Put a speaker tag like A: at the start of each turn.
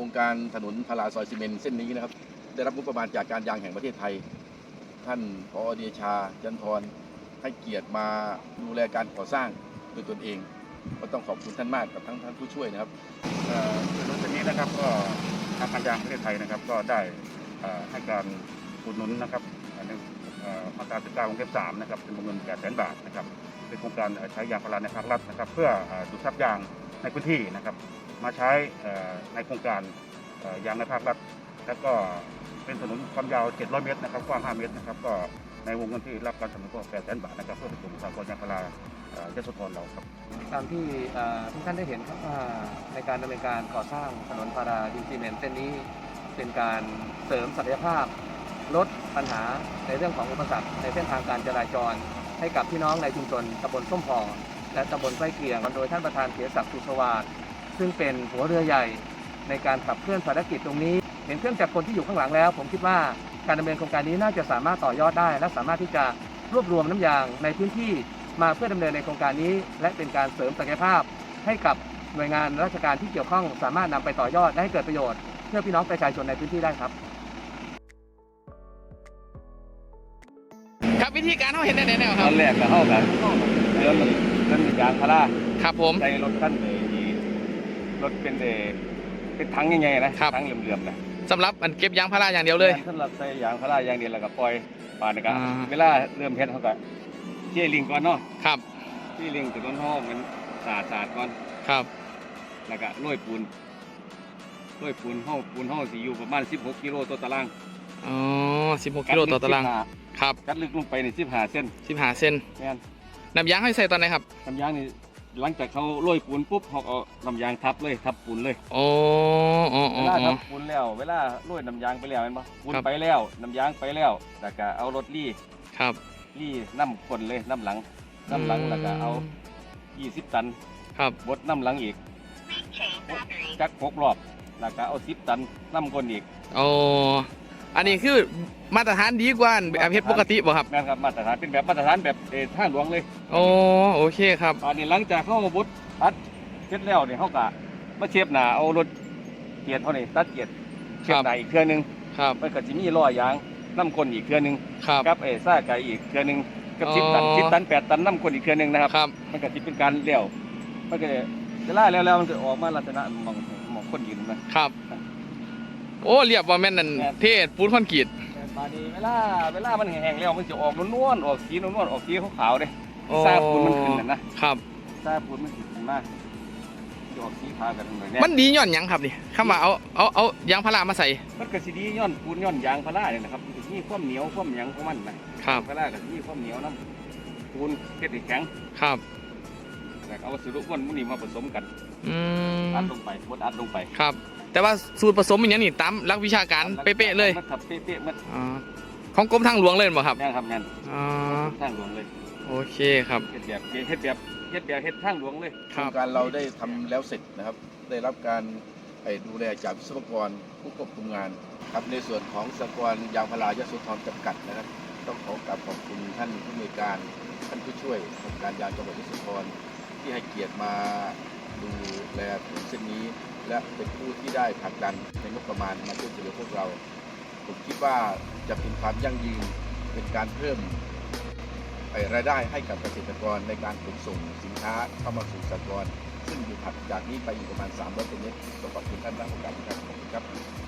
A: รงการถนนพาราซอยซีเมนต์เส้นนี้นะครับได้รับงบประมาณจากการยางแห่งประเทศไทยท่านผอ.เดชาจันทรให้เกียรติมาดูแลการก่อสร้างโดยตนเองก็ต้องขอบคุณท่านมากกับทั้งท่านผู้ช่วยนะครับ
B: ถนนเส้นนี้นะครับก็ทางการยางประเทศไทยนะครับก็ได้ให้การอุดหนุนนะครับมาตรา19 วงเล็บ 3นะครับเป็นวงเงิน 800,000 บาทนะครับเป็นโครงการใช้ยางพาราในภาครัฐนะครับเพื่อดูดซับยางในพื้นที่นะครับมาใช้ในโครงการยางในภาครัฐแล้วก็เป็นถนนความยาว700 เมตรนะครับกว้าง5 เมตรนะครับก็ในวงเงินที่รับการสนับสนุนก็ 800,000 บาทนะครับเพื่อเป็นกลุ่มสหกรณ์ยางพารายโสธรเราครับ
C: ตามที่ทุกท่านได้เห็นครับว่าในการดำเนินการก่อสร้างถนนพาราดินซีเมนต์เส้นนี้เป็นการเสริมศักยภาพลดปัญหาในเรื่องของอุปสรรคในเส้นทางการจราจรให้กับพี่น้องในชุมชนตำบลส้มพอและตำบลใกล้เคียงโดยท่านประธานเกียรติศักดิ์สุสวัสดิ์ซึ่งเป็นหัวเรือใหญ่ในการขับเคลื่อนภารกิจตรงนี้เห็นเครื่องจักรกลที่อยู่ข้างหลังแล้วผมคิดว่าการดำเนินโครงการนี้น่าจะสามารถต่อยอดได้และสามารถที่จะรวบรวมน้ำยางในพื้นที่มาเพื่อดำเนินในโครงการนี้และเป็นการเสริมศักยภาพให้กับหน่วยงานราชการที่เกี่ยวข้องสามารถนำไปต่อยอดและให้เกิดประโยชน์เพื่อพี่น้องประชาชนในพื้นที่ได้ครับ
D: ครับวิธีการเขาเห็นได้แนวค
C: ต
D: รับ
C: อนแรกก็เข้ากันเรื่องยางพารา
D: ครับผม
C: ใช้รถขั้นรถเป็นถังใหญ่ๆนะถังเหลื่อมๆนะ
D: สำหรับอันเก็บยางพาราอย่างเดียวเลย
C: สำหรับใช้ยางพาราอย่างเดียวแล้วก็ปล่อยป่านนะครับเวลาเริ่มเฮ็ดเขาก็เชี่ยลิงก่อนเนาะ
D: ครับ
C: ที่ลิงถึงต้นห้องมันสาดก่อน
D: ครับ
C: แล้วก็โรยปูนห้องสิอยู่ประมาณ16 กิโลต่อตาราง
D: อ๋อ16 กิโลต่อตารางครับ
C: กัดลึกลงไปใน15 เซน
D: 15 เซน
C: แม่น
D: น้ำยางให้ใส่ตอนไหนครับ
C: น้ำยางนี่หลังจากเขาโรยปูนปุ๊บเขาเอาน้ำยางทับปูนเลย
D: โอ้
C: เวลาทับปูนแล้วเวลาโรยน้ำยางไปแล้วเห็นปะปูนไปแล้วน้ำยางไปแล้วแล้วก็เอารถรี่น้ำคนเลยน้ำหลังแล้วก็เอา20 ตัน
D: ครับ
C: บดน้ำหลังอีกจัก6 รอบแล้วก็เอา10 ตันน้ำคนอีก
D: โอ้อันนี้คือมาตรฐานดีกว่าแบบเฮ็ดปกติบ่ครับ
C: แม่นครับมาตรฐานเป็นแบบมาตรฐานแบบทางหลวงเลย
D: โอเคครับ
C: ตอนนี้หลังจากเข้าบดตัดเสร็จแล้วเนี่ยเขาก็มาเชฟหนาเอารถเกียร์เขานี่ตัดเกียร์เชฟหนาอีกเครื่องนึงมันก็จะมีล้อยางน้ำคนอีกเครื่องนึงกับซ่าไก่อีกเครื่องนึงกับ10 ตัน8 ตันน้ำคนอีกเครื่องนึงนะครับมันก็จะเป็นการเลี้ยวมันก็จะล่าแล้วมันก็ออกมาลักษณะมองคนยืน
D: นะครับโอ้เรียบว่าแม่นนั่นเทศปูนคอนกรีต
C: ตอนนี้เวลามันแห้งแล้วมันจะออกนวลออกสีออกสีขาวๆเลยซาปูนมันขึ้นนะครับซาปูนมันขึ้นมากจะออกสีขาวกันเลย
D: มันดีย้อนยังครับนี่เข้ามาเอายางพารามาใส่
C: มันก็สีดีย้อนปูนย้อนยางพาราเนี่ยนะครับนี่ความเหนียวความหยังของมันนะครับพารากับนี่ความเหนียวน้ำปูนเฮ็ดให้แข็ง
D: ครับ
C: แต่เอาวัสดุม้วนมันนี่มาผสมกันอัดลงไปบดอัดลงไป
D: ครับแต่ว่าสูตรผสมอย่างนี้ตามหลักวิชาการเป๊ะๆเลย
C: ครับเป๊ะๆมัน
D: ของกรมทางหลวงเลยบ่ครับ
C: แม่ครับงั้นทางหลวงเลย
D: โอเคครับ
C: เฮ็ดแบบทางหลวงเลย
A: โครงการเราได้ทำแล้วเสร็จนะครับได้รับการดูแลจากวิศวกรผู้ควบคุมงานครับในส่วนของสหกรณ์ยางพารายโสธรจำกัดนะครับต้องขอบคุณท่านผู้อำนวยการท่านผู้ช่วยองค์การยางจังหวัดยโสธรที่ให้เกียรติมาดูแลถนนเส้นนี้และเป็นผู้ที่ได้ผลักดันในงบประมาณมาช่วยเหลือพวกเราผมคิดว่าจะเป็นความยั่งยืนเป็นการเพิ่มรายได้ให้กับเกษตรกรในการขนส่งสินค้าเข้ามาสู่สหกรณ์ซึ่งอยู่ถัดจากนี้ไปอีกประมาณ300 เมตรขอบคุณท่านมากครับขอบคุณครับ